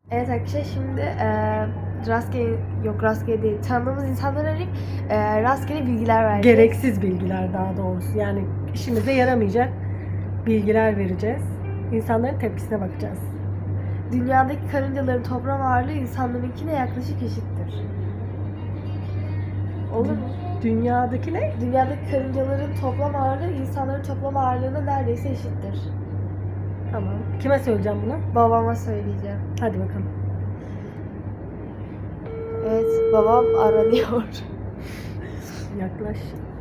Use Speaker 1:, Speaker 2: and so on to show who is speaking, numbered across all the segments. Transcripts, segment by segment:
Speaker 1: Evet arkadaşlar şimdi rastgele değil, tanıdığımız insanları arayıp rastgele bilgiler vereceğiz.
Speaker 2: Gereksiz bilgiler daha doğrusu. Yani işimize yaramayacak bilgiler vereceğiz. İnsanların tepkisine bakacağız.
Speaker 1: Dünyadaki karıncaların toplam ağırlığı insanlarınkine yaklaşık eşittir. Olur mu?
Speaker 2: Dünyadaki ne?
Speaker 1: Dünyadaki karıncaların toplam ağırlığı insanların toplam ağırlığına neredeyse eşittir.
Speaker 2: Tamam. Kime söyleyeceğim bunu?
Speaker 1: Babama söyleyeceğim.
Speaker 2: Hadi bakalım.
Speaker 1: Evet, babam aranıyor.
Speaker 2: Yaklaş.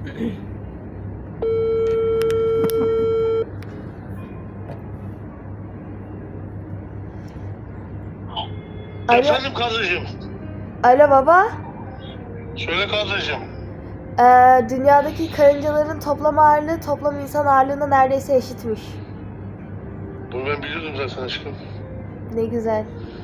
Speaker 1: Alo.
Speaker 3: Efendim kardeşim.
Speaker 1: Alo baba.
Speaker 3: Söyle kardeşim.
Speaker 1: Dünyadaki karıncaların toplam ağırlığı toplam insan ağırlığına neredeyse eşitmiş.
Speaker 3: Bunu ben biliyordum zaten aşkım.
Speaker 1: Ne güzel.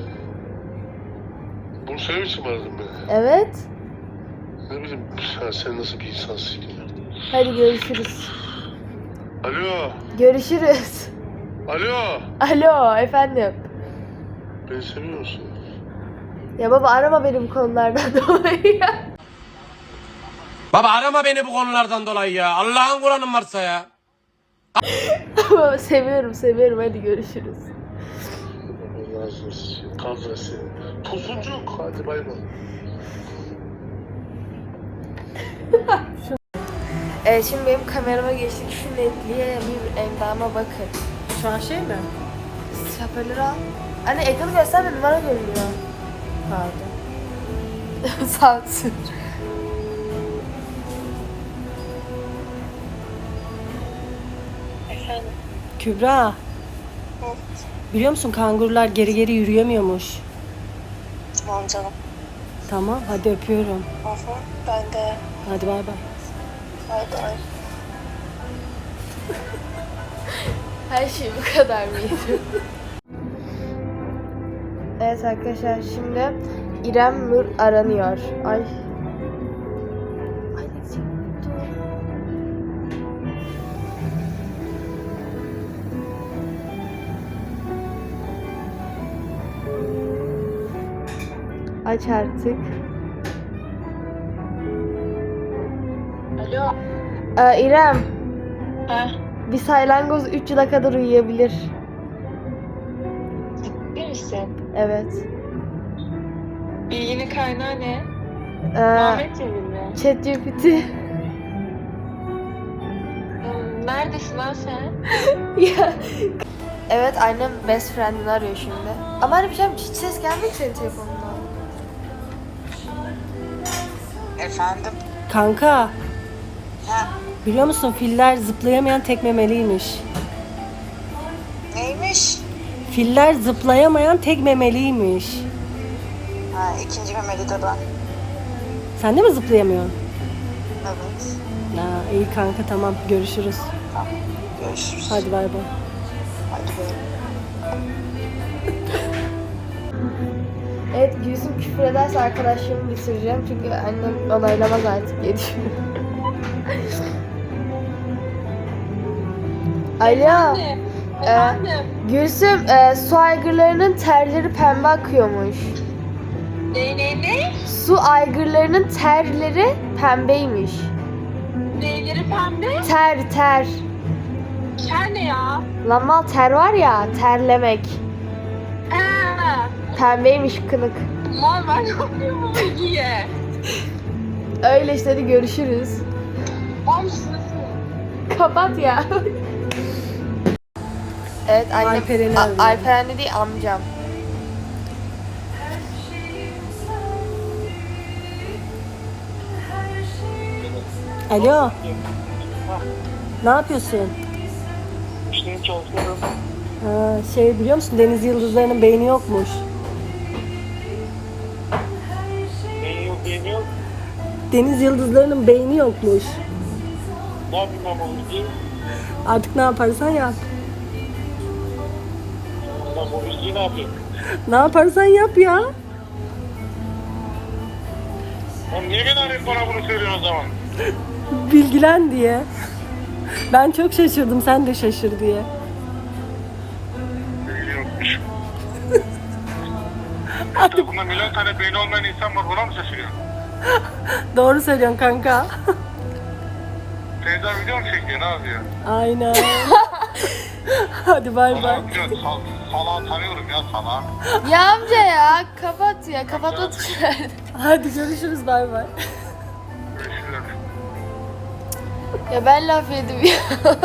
Speaker 3: Bunu söylemek için mi aradın beni?
Speaker 1: Evet.
Speaker 3: Ne bileyim sen nasıl bir insansın ya.
Speaker 1: Hadi görüşürüz.
Speaker 3: Alo.
Speaker 1: Görüşürüz.
Speaker 3: Alo.
Speaker 1: Alo efendim.
Speaker 3: Beni seviyor musun?
Speaker 1: Ya baba arama beni bu konulardan dolayı ya.
Speaker 4: Baba arama beni bu konulardan dolayı ya. Allah'ın Kur'an'ın varsa ya.
Speaker 1: Baba seviyorum hadi görüşürüz.
Speaker 3: Allah razı olsun. Kaldır seni. Tosuncuk. Hadi bay bay.
Speaker 1: Şimdi benim kamerama geçtik. Şu netliğe bir endama bakın.
Speaker 2: Şu an şey mi?
Speaker 1: Şapörleri al. Anne ekranı gösterme, numara görünüyor.
Speaker 2: Pardon.
Speaker 1: Sansür.
Speaker 5: Efendim?
Speaker 2: Kübra.
Speaker 5: Evet.
Speaker 2: Biliyor musun kangurular geri geri yürüyemiyormuş.
Speaker 5: Tamam canım.
Speaker 2: Tamam hadi öpüyorum.
Speaker 5: Hı hı. Ben de.
Speaker 2: Hadi bay bay.
Speaker 5: Bay bay.
Speaker 1: Her şey bu kadar mıydı? Evet arkadaşlar şimdi İrem Nur aranıyor. Ay. Ay ne diyeceğim? Aç artık.
Speaker 5: Alo.
Speaker 1: İrem,
Speaker 5: Ha?
Speaker 1: bir salyangoz 3 yıla kadar uyuyabilir.
Speaker 5: Ciddi misin?
Speaker 1: Evet.
Speaker 5: Bilginin kaynağı ne?
Speaker 1: Ee,
Speaker 5: Muhammed Cemil mi?
Speaker 1: ChatGPT.
Speaker 5: Neredesin lan sen?
Speaker 1: Ya. Evet annem best friend'ini arıyor şimdi. Ama hani bir şey hiç ses gelmiyor ki senin telefonundan.
Speaker 6: Efendim?
Speaker 2: Kanka.
Speaker 6: Ha,
Speaker 2: Biliyor musun filler zıplayamayan tek memeliymiş.
Speaker 6: neymiş?
Speaker 2: Filler zıplayamayan tek memeliymiş.
Speaker 6: Ha, ikinci memeli de ben.
Speaker 2: Sen de mi zıplayamıyorsun?
Speaker 6: Evet.
Speaker 2: Ha, iyi kanka tamam görüşürüz.
Speaker 6: Tamam. Görüşürüz.
Speaker 2: Hadi bay bay.
Speaker 6: Hadi bay.
Speaker 1: Evet Gülsüm küfür ederse arkadaşlığımı bitireceğim. Çünkü annem onaylamaz artık diye düşünüyorum. Alo.
Speaker 5: Efendim?
Speaker 1: Gülsüm su aygırlarının terleri pembe akıyormuş.
Speaker 5: Ne?
Speaker 1: Su aygırlarının terleri pembeymiş.
Speaker 5: Neyleri pembe?
Speaker 1: Ter.
Speaker 5: Ker ne ya?
Speaker 1: Lan mal ter var ya, terlemek.
Speaker 5: Ha.
Speaker 1: Pembeymiş kınık.
Speaker 5: Mal ben yapıyorum bu bilgiye.
Speaker 1: Öyle işte hadi görüşürüz.
Speaker 5: Omsun.
Speaker 1: Kapat ya. Evet annem.
Speaker 2: Alperen'i arıyorum.
Speaker 1: Alperen değil amcam.
Speaker 2: Alo. Ne yapıyorsun?
Speaker 3: İşte çalışıyorum.
Speaker 2: Ha, şey biliyor musun deniz yıldızlarının beyni yokmuş.
Speaker 3: Beyin yok.
Speaker 2: Deniz yıldızlarının beyni yokmuş.
Speaker 3: Ne yapayım ben bu bilgiyi?
Speaker 2: Artık ne yaparsan yap.
Speaker 3: Ben bu bilgiyi ne yapayım?
Speaker 2: Ne yaparsan yap ya.
Speaker 3: Oğlum niye beni arayıp bana bunu söylüyorsun o zaman?
Speaker 2: Bilgilen diye. Ben çok şaşırdım sen de şaşır diye.
Speaker 3: Bilgi yokmuş. Etrafında milyon tane beyni olmayan insan var, buna mı şaşırıyorsun?
Speaker 2: Doğru söylüyorsun kanka.
Speaker 3: Teyze video mu çekiyor, ne yapıyor?
Speaker 2: Aynen. Hadi bay bay.
Speaker 3: Salağı biliyorsun, salağı tanıyorum ya, salağı.
Speaker 1: Ya amca ya kapat ya kapatma tuşu nerede?
Speaker 2: Hadi görüşürüz bay bay.
Speaker 3: Görüşürüz.
Speaker 1: Ya ben laf yedim ya.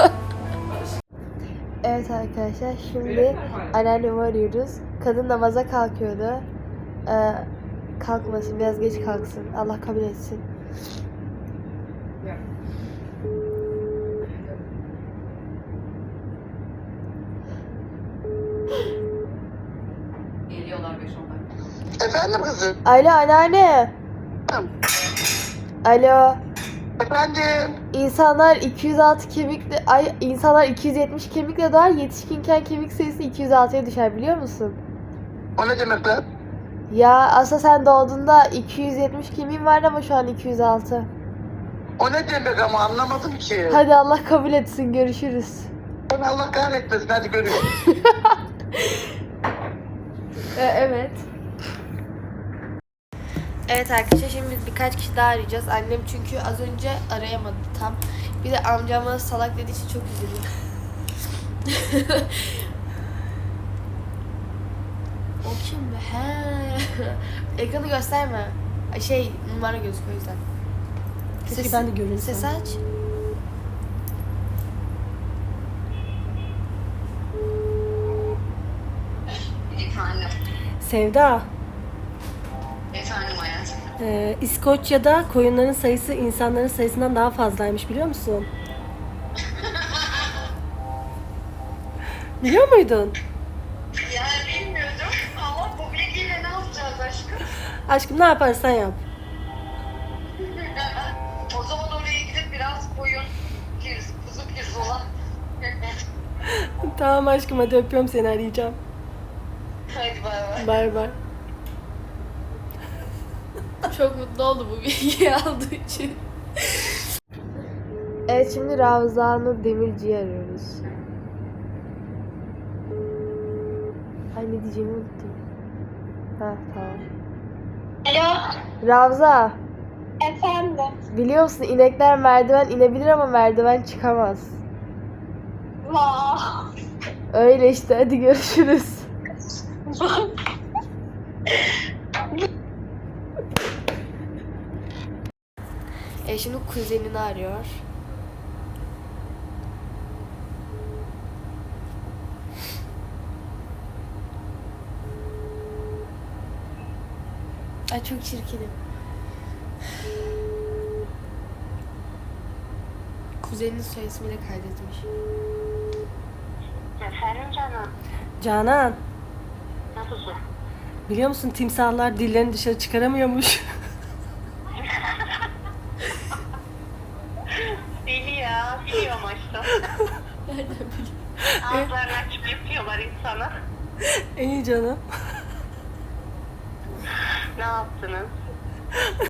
Speaker 1: Evet arkadaşlar şimdi anneannemi arıyoruz. Kadın namaza kalkıyordu. Kalkmasın biraz geç kalksın. Allah kabul etsin.
Speaker 7: Efendim kızım?
Speaker 1: Alo anneanne. Alo.
Speaker 7: Efendim?
Speaker 1: İnsanlar 206 kemikle insanlar 270 kemikle doğar, yetişkinken kemik sayısı 206'ya düşer biliyor musun?
Speaker 7: O ne demek lan?
Speaker 1: Ya aslında sen doğduğunda 270 kemiğin vardı ama şu an 206.
Speaker 7: O ne demek ama anlamadım ki.
Speaker 1: Hadi Allah kabul etsin görüşürüz.
Speaker 7: Ben Allah kahretmesin, hadi görüşürüz.
Speaker 1: Evet. Evet arkadaşlar şimdi biz birkaç kişi daha arayacağız. Annem çünkü az önce arayamadı tam. Bir de amcam bana salak dediği için çok üzüldüm. O kim be? He. Ekranı gösterme. Numara gözüküyor o yüzden.
Speaker 2: Keşke ben de görünsem.
Speaker 1: Ses aç.
Speaker 6: Efendim.
Speaker 2: Sevda,
Speaker 6: Efendim hayatım.
Speaker 2: İskoçya'da koyunların sayısı insanların sayısından daha fazlaymış biliyor musun? Biliyor muydun?
Speaker 6: Yani bilmiyordum ama bu bilgiyle ne yapacağız aşkım?
Speaker 2: Aşkım ne yaparsan yap.
Speaker 6: O zaman oraya gidip biraz koyun, kuzu pirzola.
Speaker 2: Tamam aşkım hadi öpüyorum seni arayacağım.
Speaker 6: Hadi bay bay.
Speaker 2: Bay bay.
Speaker 1: Çok mutlu oldu bu bilgiyi aldığı için. Evet şimdi Ravza Nur Demirci'yi arıyoruz. Ay ne diyeceğimi unuttum. Ha tamam.
Speaker 5: Alo.
Speaker 1: Ravza
Speaker 5: Efendim.
Speaker 1: biliyor musun inekler merdiven inebilir ama merdiven çıkamaz.
Speaker 5: Vah.
Speaker 1: Öyle işte hadi görüşürüz. Şimdi kuzenini arıyor. Ay çok çirkinim. Kuzeninin soy ismiyle kaydetmiş.
Speaker 5: Efendim canım.
Speaker 2: Canan,
Speaker 5: Nasılsın?
Speaker 2: biliyor musun timsahlar dillerini dışarı çıkaramıyormuş.
Speaker 5: Deli ya. Biliyorum aşkım.
Speaker 1: Nereden bileyim?
Speaker 5: Ağızlarını açıp yapıyorlar insana.
Speaker 2: İyi canım.
Speaker 5: Ne yaptınız?